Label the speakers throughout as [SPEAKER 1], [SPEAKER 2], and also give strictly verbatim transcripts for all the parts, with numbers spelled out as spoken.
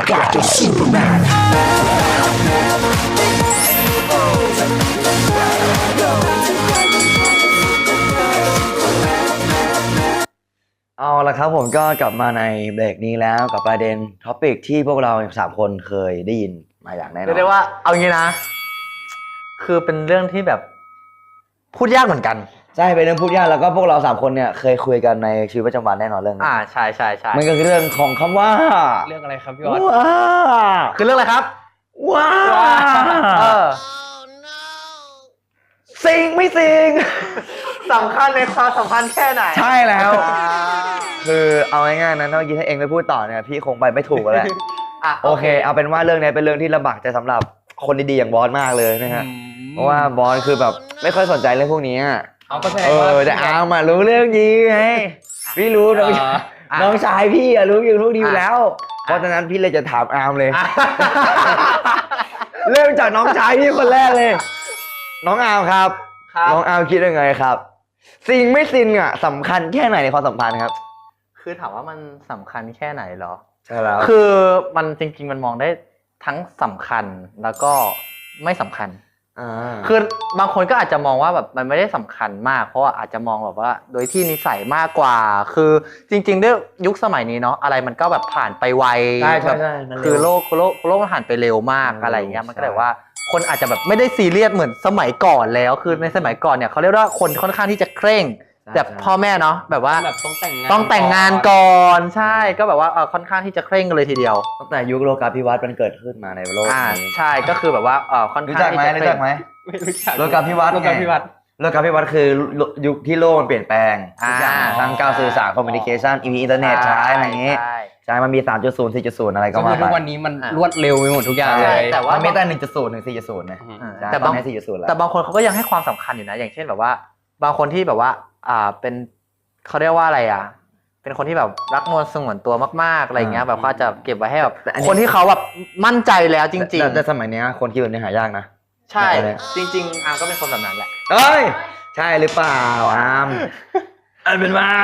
[SPEAKER 1] got the Supermanเอาละครับผมก็กลับมาในเบรกนี้แล้วกับประเด็นท็อปิกที่พวกเราสามคนเคยได้ยินมาอย่างแน่นอน
[SPEAKER 2] เรียกได้ว่าเอางี้นะคือเป็นเรื่องที่แบบพูดยากเหมือนกัน
[SPEAKER 1] ใช่เป็นเรื่องพูดยากแล้วก็พวกเราสามคนเนี่ยเคยคุยกันในชีวิตประจำวันแน่นอนเรื่องนี้
[SPEAKER 2] อ่าใช่ใช่ใช่
[SPEAKER 1] มันก็คือเรื่องของคำว่า
[SPEAKER 3] เรื่องอะไรครับพี่ออส
[SPEAKER 1] ว้า
[SPEAKER 2] คือเรื่องอะไรครับ
[SPEAKER 1] ว้า
[SPEAKER 2] เออ
[SPEAKER 1] สิงไม่สิง
[SPEAKER 2] สำคัญในความสัมพันธ์แค่ไหน
[SPEAKER 1] ใช่แล้วคือเอาง่ายๆนะเมื่อกี้ถ้าเองไม่พูดต่อเนี่ยพี่คงไปไม่ถูกแล้วโอเคเอาเป็นว่าเรื่องนี้เป็นเรื่องที่ลำบากใจสำหรับคนดีๆอย่างบอสมากเลยนะฮะเพราะว่าบอสคือแบบไม่ค่อยสนใจเรื่องพวกนี้
[SPEAKER 3] เอาก็แสด
[SPEAKER 1] งว่าแต่อามารู้เรื่องนี้ไงพี่รู้น้องน้องชายพี่อะรู้อยู่รู้ดีอยู่แล้วเพราะฉะนั้นพี่เลยจะถามอาร์มเลยเริ่มจากน้องชายพี่คนแรกเลยน้องอาร์มครับน้องอาร์มคิดยังไงครับสิ่งไม่สิ่งอ่ะสำคัญแค่ไหนในความสัมพันธ์ครับ
[SPEAKER 2] คือถามว่ามันสำคัญแค่ไหนเหรอ
[SPEAKER 1] ใช่แล้ว
[SPEAKER 2] คือมันจริงๆมันมองได้ทั้งสำคัญแล้วก็ไม่สำคัญคือบางคนก็อาจจะมองว่าแบบมันไม่ได้สำคัญมากเพราะว่าอาจจะมองแบบว่าโดยที่นิสัยมากกว่าคือจริงๆด้วยยุคสมัยนี้เนาะอะไรมันก็แบบผ่านไปไว
[SPEAKER 1] ใช่ใช่
[SPEAKER 2] คือโลกโลกโลกมันผ่านไปเร็วมากอะไรอย่างเงี้ยมันก็เลยว่าคนอาจจะแบบไม่ได้ซีเรียสเหมือนสมัยก่อนแล้วคือในสมัยก่อนเนี่ยเขาเรียกว่าคนค่อนข้างที่จะเคร่งแบบพ่อแม่เนาะแบบว่า
[SPEAKER 3] แบบต้องแต่งงาน
[SPEAKER 2] ต้องแต่งงานก่อนใช่ก็แบบว่าเออค่อนข้างที่จะเคร่งกันเลยทีเดียว
[SPEAKER 1] ตั้งแต่ยุคโลกาภิวัตน์มันเกิดขึ้นมาในโลก
[SPEAKER 2] นี้ใช่ก็คือแบบว่าเออค่อนข้าง
[SPEAKER 1] รู้จักไหมรู้จักไหม
[SPEAKER 3] ไม่รู้จัก
[SPEAKER 1] โลกาภิวัตน์
[SPEAKER 3] โลกาภิวัตน์
[SPEAKER 1] โลกาภิวัตน์คือยุคที่โลกมันเปลี่ยนแปลงทุกอย่างทางการสื่อสารคอมมิวนิเคชันมีอินเทอร์เน็ตใช้อะไรอย่างงี้ใช่มันมี สามจุดศูนย์ สี่จุดศูนย์ อะไรก็มาไป
[SPEAKER 3] ทุกวันนี้มันรวดเร็วไปหมดทุกอย่างเลย
[SPEAKER 1] แต่ว่าไม่แต่ หนึ่งจุดศูนย์ ถึง สี่จุดศูนย์ นะ
[SPEAKER 2] แต่บางแต่บางคนเขาก็ยังให้ความสำคัญอยู่นะอย่างเช่นแบบว่าบางคนที่แบบว่าอ่าเป็นเขาเรียกว่าอะไรอ่ะเป็นคนที่แบบรักนวลสงวนตัวมากๆอะไรเงี้ยแบบเขาจะเก็บไว้ให้แบบคนที่เขาแบบมั่นใจแล้วจริง
[SPEAKER 1] ๆแต่สมัยนี้คนคิดแบบนี้หายากนะ
[SPEAKER 2] ใช่จริงๆอาร์มก็เป็นคนแบบนั้นแหละ
[SPEAKER 1] เอ้ยใช่หรือเปล่าอาร์มอันเป็นว่า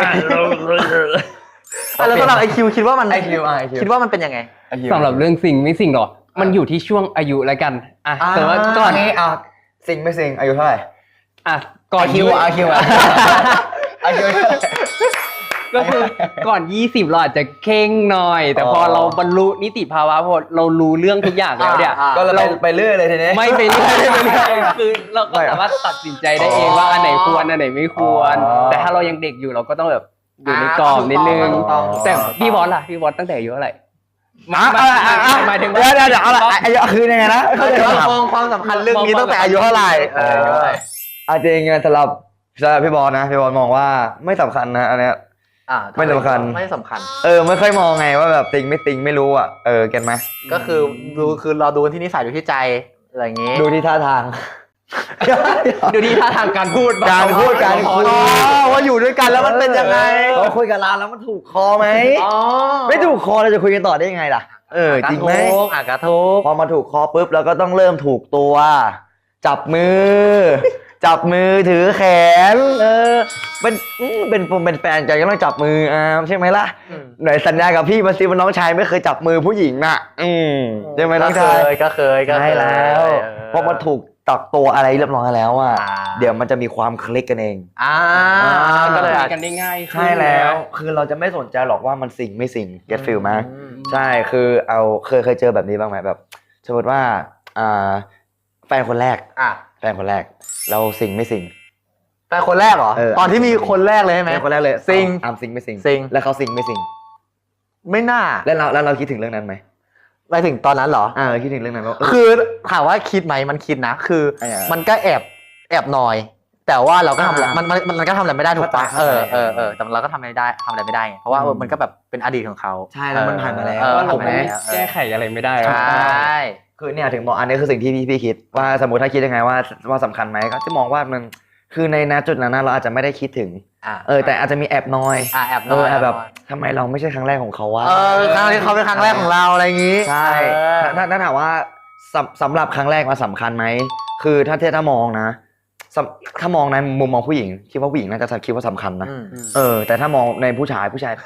[SPEAKER 2] แล้วสำหรับไอคิวคิดว่ามัน
[SPEAKER 1] ไอคิว
[SPEAKER 2] คิดว่ามันเป็นยังไง
[SPEAKER 3] สำหรับเรื่องสิ่งไม่สิ่งหรอมันอยู่ที่ช่วงอายุแล้วกันอ่ะแต่ว่าก่อน
[SPEAKER 1] นี้อ่ะสิ่งไม่สิ่งอายุเท่าไหร่
[SPEAKER 3] อ่ะก่อน
[SPEAKER 1] คิวอ่ะคิวอ่ะอายุ
[SPEAKER 3] ก็คือก่อนยี่สิบเราอาจจะเข่งหน่อยแต่พอเราบรรลุนิติภาวะพอเรารู้เรื่องทุกอย่างแล้วเนี่ย
[SPEAKER 1] ก็เราไปเรื่อยเลยทีนี้
[SPEAKER 3] ไม่ไปเรื่อยไม่ไปเรื่อยคือเราก็สามารถตัดสินใจได้เองว่าอันไหนควรอันไหนไม่ควรแต่ถ้าเรายังเด็กอยู่เราก็ต้องแบบอยู่ในกรอบนิดนึงแต่พี่บอสล่ะพี่บอสตั้งแต่อายุเท่าไหร่
[SPEAKER 1] มาหมายถึงเดี๋ยวเดี๋ยวเอาละอายุคือยังไงนะ
[SPEAKER 2] เขาจะมองความสำคัญเรื่องนี้ตั้งแต่อายุเท่าไหร่
[SPEAKER 1] อาจจะยังไงสำหรับสำหรับพี่บอสนะพี่บอสมองว่าไม่สำคัญนะอันเนี้ยไม่สำคัญ
[SPEAKER 2] ไม่สำคัญ
[SPEAKER 1] เออไม่ค่อยมองไงว่าแบบติงไม่ติงไม่รู้อ่ะเออเก็ตไหม
[SPEAKER 2] ก็คือดูคือเราดูที่นิสัยดูที่ใจอะไรอย่างงี้
[SPEAKER 1] ดูที่ท่าทาง
[SPEAKER 3] ดูที่ท่าทางการพูด
[SPEAKER 1] การพูดการคุย
[SPEAKER 2] ว่าอยู่ด้วยกันแล้วมันเป็นยังไง
[SPEAKER 1] เขาคุยกับเราแล้วมันถูกคอไหมไม่ถูกคอเราจะคุยกันต่อได้ยังไงล่ะเออจริงไหม
[SPEAKER 2] อ่ะกระทุก
[SPEAKER 1] พอมาถูกคอปุ๊บเราก็ต้องเริ่มถูกตัวจับมือจับมือถือแขนเออเป็นเป็นผมเป็นแฟนใจก็ต้องจับมืออ่าใช่ไหมล่ะหน่อยสัญญากับพี่มาซิว่าน้องชายไม่เคยจับมือผู้หญิงน่ะอืมใช่ไหมน้องชาย
[SPEAKER 2] ก็เคยก็
[SPEAKER 1] ใช่แล้วพอมาถูกตักตัวอะไรเรียบร้อยแล้วอ่ะเดี๋ยวมันจะมีความคลิกกันเอง
[SPEAKER 2] อ่า
[SPEAKER 3] ก็เลยกันได้ง่าย
[SPEAKER 1] ใช่แล้วคือเราจะไม่สนใจหรอกว่ามันสิ่งไม่สิ่ง get feel มั้ยใช่คือเอาเคยเคยเจอแบบนี้บ้างไหมแบบสมมติว่าอ่าแฟนคนแรก
[SPEAKER 2] อ่ะ
[SPEAKER 1] แฟนคนแรกเราสิ่งไม่สิ่ง
[SPEAKER 2] แฟนคนแรกเหรอตอนที่มีคนแรกเลยใช่ไหม
[SPEAKER 1] แฟนคนแรกเลย
[SPEAKER 2] สิ่ง
[SPEAKER 1] อ่าสิ่งไม่สิ่ง
[SPEAKER 2] สิ่ง
[SPEAKER 1] แล้วเขาสิ่งไม่สิ่ง
[SPEAKER 2] ไม่น่า
[SPEAKER 1] แล้วเราแล้วเราคิดถึงเรื่องนั้นไหม
[SPEAKER 2] ไปถึงตอนนั้นเหรอ
[SPEAKER 1] อ่าคิดถึงเรื่องนั้น
[SPEAKER 2] คือถามว่าคิดไหมมันคิดนะคือมันก็แอบแอบนอยแต่ว่าเราก็ทำมันมันมันก็ทำอะไรไม่ได้ถูกปะเออเออเออแต่เราก็ทำอะไรได้ทำอะไรไม่ได้เพราะว่ามันก็แบบเป็นอดีตของเขา
[SPEAKER 1] ใช่แล้วมันผ่านมาแล้ว
[SPEAKER 3] ผมแก้ไขอะไรไม่ได้
[SPEAKER 2] ใช่
[SPEAKER 1] คือเนี่ยถึงบอกอันนี้คือสิ่งที่พี่พี่คิดว่าสมมติถ้าคิดยังไงว่าว่าสำคัญไหมก็จะมองว่ามันคือในณจุดนั้นเราอาจจะไม่ได้คิดถึงเออแต่อาจจะมีแอบนอย
[SPEAKER 2] แอบนอย
[SPEAKER 1] แบบทำไมเราไม่ใช่ครั้งแรกของเขาวะ
[SPEAKER 2] เออครั้งนี้เขาเป็นครั้งแรกของเราอะไรอย่างงี้
[SPEAKER 1] ใช่ถ้าถ้าถามว่าสำหรับครั้งแรกมันสำคัญไหมคือถ้าเทียบถ้ามองนะถ้ามองในมุมมองผู้หญิงคิดว่าผู้หญิงน่าจะคิดว่าสำคัญนะเออแต่ถ้ามองในผู้ชายผู้ชาย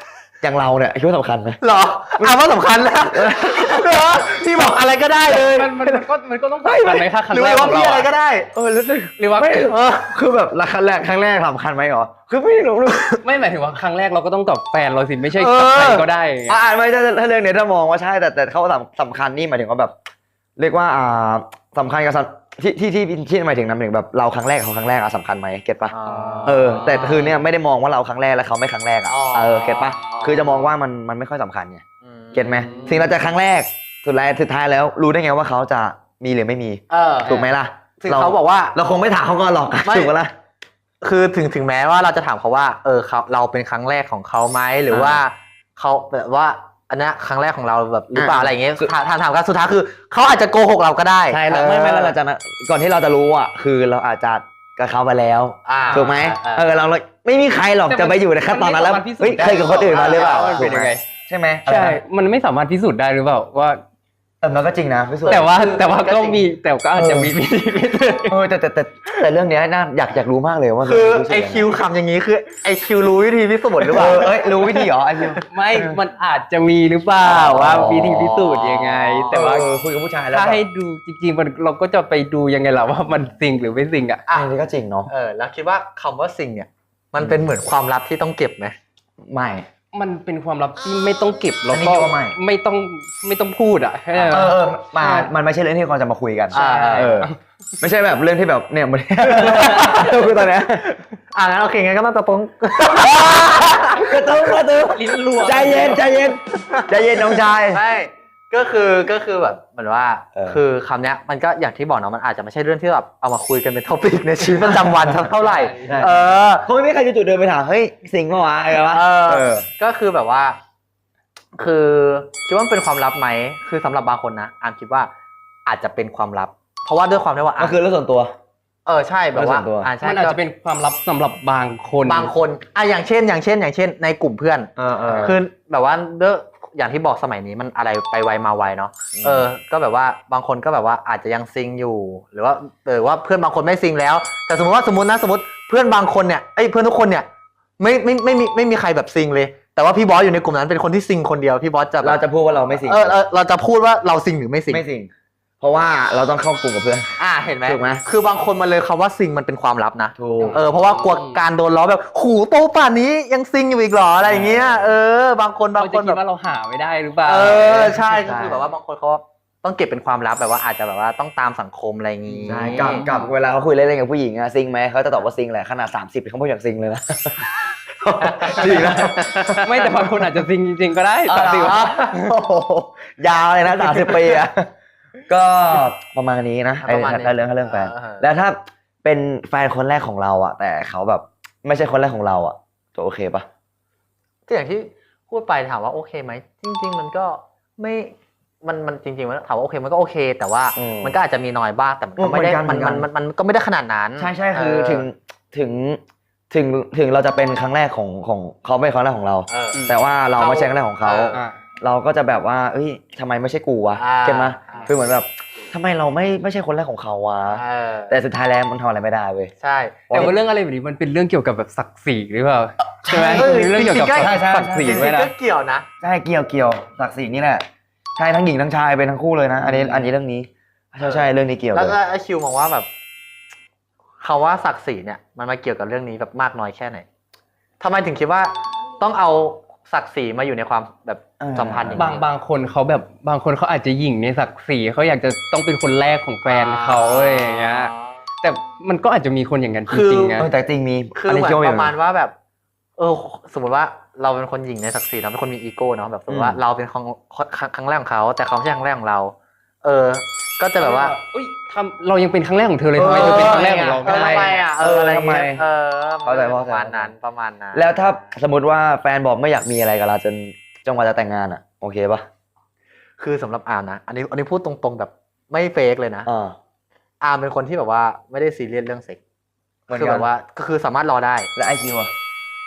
[SPEAKER 1] อย่างเราเนี่ยคิดว่าสำคัญไหม
[SPEAKER 2] เหรออ่าว่าสำคัญแล้วเหรอพี่บอกอะไรก็ได้เลย
[SPEAKER 3] มันมันมันก็มันก็ต้องสำคัญไหมคะครั้ง
[SPEAKER 2] หรือ
[SPEAKER 3] แรกข
[SPEAKER 2] ว่า
[SPEAKER 3] องเรา
[SPEAKER 2] พี่อะไรก็
[SPEAKER 3] อะ
[SPEAKER 2] ได้
[SPEAKER 1] เออรู้สึก
[SPEAKER 3] หรือว่า
[SPEAKER 1] ไม่เออคือแบบละครั้งแรกครั้งแรกสำคัญไหมหรอคือไม่รู้
[SPEAKER 3] ไม่หมายถึงว่าครั้งแรกเราก็ต้องกับแฟนเราสิไม่ใช่
[SPEAKER 2] เออ
[SPEAKER 3] กับใครก็ได้อย่างเงี้ย
[SPEAKER 1] อ่าไม่ถ้าถ้าเรื่องนี้ถ้ามองว่าใช่แต่แต่เขาสำสำคัญนี่หมายถึงว่าแบบ เรียกว่าอ่าสำคัญกับสำที่ที่ที่ที่หมายถึงนำถึงแบบเราครั้งแรกเขาครั้งแรกอะสำคัญไหมเก็ตปะเออแต่คือเนี่ยไม่ได้มองว่าเราครั้งแรกแล้วเขาไม่ครั้งแรกอะเออเก็ตปะคือจะมองว่ามันมันไม่ค่อยสำคัญไงเก็ตไหมสิ่งเราจะครั้งแรกสุดท้ายสุดท้ายแล้วรู้ได้ไงว่าเขาจะมีหรือไม่มี
[SPEAKER 2] เออ
[SPEAKER 1] ถูกไหมล่ะ
[SPEAKER 2] ถึงเขาบอกว่า
[SPEAKER 1] เราคงไม่ถามเขาก่อนหรอก
[SPEAKER 2] ไม่
[SPEAKER 1] ถูกปะล่ะ
[SPEAKER 2] คือถึงถึงแม้ว่าเราจะถามเขาว่าเออเขาเราเป็นครั้งแรกของเขาไหมหรือว่าเขาแบบว่าอันนี้ครั้งแรกของเราแบบหรือเปล่า
[SPEAKER 1] อ่า
[SPEAKER 2] อะไรอย่างเงี้ยถามถามถามกันสุดท้ายคือเขาอาจจะโกหกเราก็ได้
[SPEAKER 1] ใช่แล้ว
[SPEAKER 2] เออ
[SPEAKER 1] ไม่ไม่แล้วเราจะนะก่อนที่เราจะรู้อ่ะคือเราอาจจะกับเขาไปแล้ว
[SPEAKER 2] อ่า
[SPEAKER 1] ถูกไหม
[SPEAKER 2] อ่า
[SPEAKER 1] เออเราเราไม่มีใครหรอก
[SPEAKER 3] แต่มัน
[SPEAKER 1] จะไปอยู่ในขั้นตอนนั้นแล้ว
[SPEAKER 3] มันไม่สามารถพิสูจน์
[SPEAKER 1] เฮ้ย
[SPEAKER 3] ได้
[SPEAKER 1] เคยกับคนอื่นมาหรือเปล่า
[SPEAKER 3] ว่ามันเป็นยังไง
[SPEAKER 1] ใช่ไหม
[SPEAKER 3] ใช่ มันไม่สามารถพิสูจน์ได้หรือเปล่าว่า
[SPEAKER 1] เออมันก็จริงนะพิสูจน์
[SPEAKER 3] แต่ว่าแต่ว่าก็มีแต่ก็อาจจะมีวิธีพิสูจน์
[SPEAKER 1] เออแต่แต่แต่แต่เรื่องเนี้ยน่าอยากอยากรู้มากเลยว่ามัน
[SPEAKER 2] คือ
[SPEAKER 1] รู้สึก
[SPEAKER 2] ไอ
[SPEAKER 1] ยังง
[SPEAKER 2] คิวคำอย่างนี้คือไอคิวรู้วิธีพิสูจน์หรือเป
[SPEAKER 1] เอ
[SPEAKER 2] ล่า
[SPEAKER 1] อเอ้ยรู้วิธีเหรอไอคิว
[SPEAKER 3] ไม่ มันอาจจะมีหรือเปล่าว่าวิธีพิสูจน์ยังไง แต่ว่า
[SPEAKER 1] เออคุยกับผู้ชายแล้ว
[SPEAKER 3] ถ้า
[SPEAKER 1] แบบ
[SPEAKER 3] ให้ดูจริงๆมันเราก็จะไปดูยังไงล่ะว่ามันจริงหรือไม่จริงอ่ะ
[SPEAKER 1] อันนี้ก็จริงเนาะ
[SPEAKER 2] เออแล้วคิดว่าคำว่าสิ่งเนี่ยมันเป็นเหมือนความลับที่ต้องเก็บไหม
[SPEAKER 1] ไม่
[SPEAKER 3] มันเป็นความลับที่ไม่ต้องเก็บแล้ว
[SPEAKER 1] อันนี้
[SPEAKER 3] ก็
[SPEAKER 1] คิดว่าไม่
[SPEAKER 3] ไม่ต้องไม่ต้องพูดอ่ะใช่ไหม
[SPEAKER 1] เออเออมามันไม่ใช่เรื่องที่ควรจะมาคุยกัน
[SPEAKER 2] ใช่
[SPEAKER 1] เออไม่ใช่แบบเรื่องที่แบบเนี่ยมัน คือตอนเนี้ย
[SPEAKER 2] อ่างั้นโอเคงั้นก็ต้องตะปง
[SPEAKER 1] กระตุ้นกระตุ้น
[SPEAKER 3] ลิ้นรัว
[SPEAKER 1] ใจเย็นใจเย็นใจเย็นน้องชาย
[SPEAKER 2] ไม่ก็คือก็คือแบบเหมือนว่า
[SPEAKER 1] เออ
[SPEAKER 2] คือคำเนี้ยมันก็อย่างที่บอกเนาะมันอาจจะไม่ใช่เรื่องที่แบบเอามาคุยกันเป็นท็อปิกในชีวิตประจำวันสักเท่าไหร่
[SPEAKER 1] ใช่
[SPEAKER 2] เออ
[SPEAKER 1] คงไม่มีใครจะจุดเดินไปถามเฮ้ยสิงห์เมื่อวานอะไรวะ
[SPEAKER 2] เออ
[SPEAKER 1] เออ
[SPEAKER 2] ก็คือแบบว่า คือคิดว่ามันเป็นความลับไหมคือสำหรับบางคนนะอามคิดว่าอาจจะเป็นความลับ เพราะว่าด้วยความที่ว่า
[SPEAKER 1] ก็คือเรื่องส่วนตัว
[SPEAKER 2] เออใช่แบบว่า
[SPEAKER 1] เรื่องส่วนตัว
[SPEAKER 2] อ่าใช่
[SPEAKER 3] มันอาจ
[SPEAKER 2] ก็
[SPEAKER 3] จะเป็นความลับสำหรับบางคน
[SPEAKER 2] บางคนอ่ะอย่างเช่น อย่างเช่น อย่างเช่น ในกลุ่มเพื่อน
[SPEAKER 1] เออเออ
[SPEAKER 2] คือแบบว่าเด้ออย่างที่บอกสมัยนี้มันอะไรไปไวมาไวเนาะ
[SPEAKER 1] อืม
[SPEAKER 2] เออ ก็แบบว่าบางคนก็แบบว่าอาจจะยังซิงอยู่ หรือว่าหรือว่าเพื่อนบางคนไม่ซิงแล้ว แต่สมมติว่าสมมตินะสมมติเพื่อนบางคนเนี่ยเอ้ยเพื่อนทุกคนเนี่ยไม่ไม่ไม่มีไม่มีใครแบบซิงเลย แต่ว่าพี่บอสอยู่ในกลุ่มนั้นเป็นคนที่ซิงคนเดียวพี่บอสจะแบบ
[SPEAKER 1] เราจะพูดว่าเราไม่สิง
[SPEAKER 2] เออเออเราจะพูดว่าเราซิงหรือไม่ซิง
[SPEAKER 1] ไม่สิงเพราะว่าเราต้องเข้ากลุ่มกับเพื่อน
[SPEAKER 2] อ่าเห็นไหม
[SPEAKER 1] ถูกไหม
[SPEAKER 2] คือบางคนมันเลยคำว่าซิงมันเป็นความลับนะ
[SPEAKER 1] ถูก
[SPEAKER 2] เออเพราะว่ากลัวการโดนล้อแบบหูโตป่านนี้ยังซิงอยู่อีกเหรออะไรอย่างเงี้ยเออบางคนบาง
[SPEAKER 3] เขา
[SPEAKER 2] ค
[SPEAKER 3] จะ
[SPEAKER 2] น
[SPEAKER 3] คิ
[SPEAKER 2] แบ
[SPEAKER 3] ด
[SPEAKER 2] บ
[SPEAKER 3] ว่าเราหาไม่ได้หรือเปล่า
[SPEAKER 2] เออใช่ก็
[SPEAKER 1] ใช่
[SPEAKER 2] คือแบบว่าบางคนเขาต้องเก็บเป็นความลับแบบว่าอาจจะแบบว่าต้องตามสังคมอะไรอย่างงี้
[SPEAKER 1] ใช่กับกับเวลาเขาคุยเล่นๆกับผู้หญิงอะซิงไหมเขาจะตอบว่าซิงแหละขนาดสามสิบเขาไม่อยากซิงเลยนะ จริงนะ
[SPEAKER 3] ไม่แต่บางคนอาจจะจริงจริง ๆ ก็ได้
[SPEAKER 1] เอ
[SPEAKER 3] สามสิบ
[SPEAKER 1] อโอ้โหยาวเลยนะสามสิบปีอะก็ประมาณนี้นะไอ้
[SPEAKER 2] ประมาณนี้
[SPEAKER 1] ถ้าเรื่องถ้าเรื่องแฟน
[SPEAKER 2] เออ
[SPEAKER 1] แล้วถ้าเป็นแฟนคนแรกของเราอะแต่เขาแบบไม่ใช่คนแรกของเราอะจะโอเคปะ
[SPEAKER 2] ก็อย่างที่พูดไปถามว่าโอเคไหมจริง ๆ มันก็ไม่มันมันจริงๆมันถามว่าโอเคมันก็โอเค แต่ว่ามันก็อาจจะมีน้อยบ้างแต่มันก็ไม่ได้มันมันมันมันก็ไม่ได้ขนาดนั้น
[SPEAKER 1] ใช่ใช่คือ
[SPEAKER 2] เ
[SPEAKER 1] ถึงถึงถึงถึงเราจะเป็นครั้งแรกของของเขาไม่ใช่ครั้งแรกของเรา
[SPEAKER 2] เออ
[SPEAKER 1] แต่ว่าเราไม่ใช่ครั้งแรกของเขา
[SPEAKER 2] เออ
[SPEAKER 3] อ่ะ
[SPEAKER 1] เราก็จะแบบว่าเอ้ยทำไมไม่ใช่กูวะ
[SPEAKER 2] อ่า
[SPEAKER 1] เก็ตไหม
[SPEAKER 2] อ่า
[SPEAKER 1] คือเหมือนแบบทำไมเราไม่ไม่ใช่คนแรกของเขาวะ
[SPEAKER 2] เออ
[SPEAKER 1] แต่สุดท้ายแล้วมันทำอะไรไม่ได้เว้ย
[SPEAKER 2] ใช่
[SPEAKER 3] แต่ว่าเรื่องอะไรแบบนี้มันเป็นเรื่องเกี่ยวกับแบบศักดิ์ศรีหรือเปล่าใช่ไหม
[SPEAKER 2] เออ
[SPEAKER 3] เป็นเรื่องเกี่ยวกับ
[SPEAKER 2] จริงๆก็
[SPEAKER 3] ศักดิ์ศรี
[SPEAKER 2] จริง
[SPEAKER 3] ด้วย
[SPEAKER 2] ๆ
[SPEAKER 3] นะ
[SPEAKER 2] ก็เกี่ยวนะ
[SPEAKER 1] ใช่เกี่ยวเกี่ยวศักดิ์ศรีนี่แหละใช่ทั้งหญิงทั้งชายเป็นทั้งคู่เลยนะ อันนี้อันนี้เรื่องนี้ใช่ใช่เรื่องนี้เกี่ยว
[SPEAKER 2] แล้ว
[SPEAKER 1] เลย
[SPEAKER 2] ก็ไอคิวมองว่าแบบคำว่าศักดิ์ศรีเนี่ยมันมาเกี่ยวกับเรื่องนี้แบบมากน้อยแค่ไหนทำไมถึงคิดว่าต้องเอาศักดิ์ศรีมาอยู่ในความแบบสัมพันธ์อย่าง
[SPEAKER 3] บาง
[SPEAKER 2] นี้
[SPEAKER 3] บางคนเขาแบบบางคนเขาอาจจะหยิ่งในศักดิ์ศรีเขาอยากจะต้องเป็นคนแรกของแฟนเขาอะไรอย่างเงี้ยแต่มันก็อาจจะมีคนอย่างนั้นจริงๆนะ
[SPEAKER 1] เออแต่จริงมี
[SPEAKER 2] คือเหมือน
[SPEAKER 1] คิดว่
[SPEAKER 2] ประมาณว่าแบบ เออ สมมติว่าเราเป็นคนหญิงในศักดิ์ศรีเนาะเป็นคนมีอีโก้เนาะแบบสมมติว่าเราเป็นครั้งครั้งแรกของเขาแต่เขาไม่ใช่ครั้งแรกของเรา เออ ก็จะแบบว่า
[SPEAKER 3] อุ้ยทำเรายังเป็นครั้งแรกของเธอเลยทำไมเธอเป็นครั้งแรกของเรา
[SPEAKER 2] เออ
[SPEAKER 3] ไม่
[SPEAKER 2] ทำไม
[SPEAKER 3] ได้
[SPEAKER 2] อ่ะเอออะไรเงี้ยเออ
[SPEAKER 1] เข้าใจ
[SPEAKER 2] ป
[SPEAKER 1] เข้า
[SPEAKER 2] ระ
[SPEAKER 1] ใจ
[SPEAKER 2] มาณนั้นประมาณนั้น
[SPEAKER 1] แล้วถ้าสมมติว่าแฟนบอกไม่อยากมีอะไรกับเราจนจังหวะจะแต่งงานอ่ะโอเคปะ
[SPEAKER 2] คือสำหรับอาร์มนะอันนี้อันนี้พูดตรงๆแบบไม่เฟกเลยนะ
[SPEAKER 1] อ่า
[SPEAKER 2] อาร์มเป็นคนที่แบบว่าไม่ได้ซีเรียสเรื่องเซ็กส์
[SPEAKER 1] เหมือน
[SPEAKER 2] คือ
[SPEAKER 1] กั
[SPEAKER 2] แบ
[SPEAKER 1] น
[SPEAKER 2] บว่าก็คือสามารถรอได้
[SPEAKER 1] แล้วไอคิวอ่ะ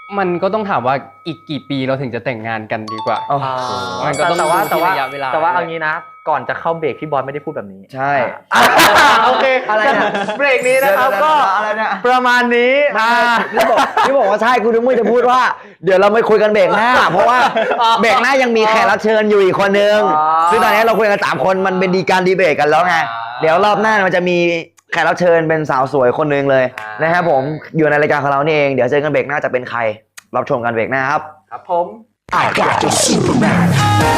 [SPEAKER 3] มันก็ต้องถามว่าอีกกี่ปีเราถึงจะแต่งงานกันดีกว่า
[SPEAKER 1] อ๋อ
[SPEAKER 3] มันก็ต้อง
[SPEAKER 2] แต่ว่า
[SPEAKER 3] ดูที่
[SPEAKER 2] แต่ว่า
[SPEAKER 3] ระยะเวลา
[SPEAKER 2] แต่ว่าเอางี้นะ ก่อนจะเข้าเบรกพี่บอลไม่ได้พูดแบบนี้
[SPEAKER 1] ใช่
[SPEAKER 2] โอเค
[SPEAKER 1] อะไรเนี่ย
[SPEAKER 2] เบรกนี้นะครับก็
[SPEAKER 1] อะไรเนี่ย
[SPEAKER 2] ประมาณนี้อ่า
[SPEAKER 1] นี่บอกนี่บอกว่าใช่กูนึกว่าจะพูดว่า เดี๋ยวเราไม่คุยกันเบรกหน้า เพราะว่าเบรกหน้ายังมีแขกรับเชิญอยู่อีกคนนึง
[SPEAKER 2] อ๋อ
[SPEAKER 1] ซึ่งตอนนี้เราคุยกันสามคนมันเป็นดีการดีเบตกันแล้วไง เดี๋ยวรอบหน้ามันจะมีแขกรับเชิญเป็นสาวสวยคนนึงเลยนะครับผมอยู่ในรายการของเรานี่เองเดี๋ยวเจอกันเบรกหน้าจะเป็นใครรับชมกันเบรกหน้าครับ
[SPEAKER 2] ครับผม
[SPEAKER 4] I got the Superman.